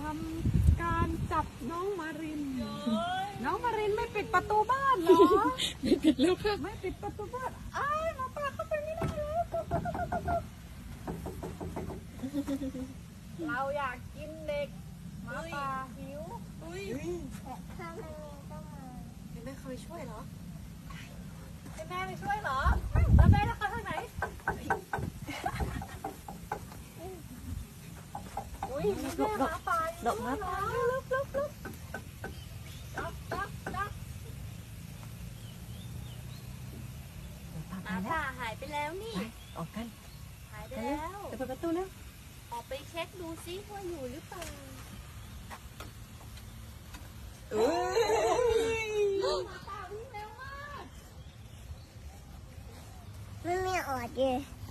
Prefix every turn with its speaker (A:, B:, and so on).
A: ทำการจับน้องมาริน น้องมารินไม่ปิดประตูบ้านเหรอ
B: ไม่ปิดแล้วค่ะ
A: ไม่ปิดประตูบ้านอ้ายหมาป่าเข้าไปไม่ได้แล้วเราอยากกินเด็กหมาป่าหิว
C: ถ้ามันมีก็มา
A: แม่เคยช่วยเหรอให้แม่ไปช่วยเหรอแล้วแม่จะเข้าทางไหนอุ้ยมีแม่หมาป่าอยู่ด้วยเหรอลุกจับ
D: หมาป่าหายไปแล้วนี่
B: ออกกัน
D: หายไปแล้ว
B: จะเปิดประตูแล้ว
D: ออกไปเช็คดูซิว่าอยู่หรือเปล่า
C: มันไม่ออดเลย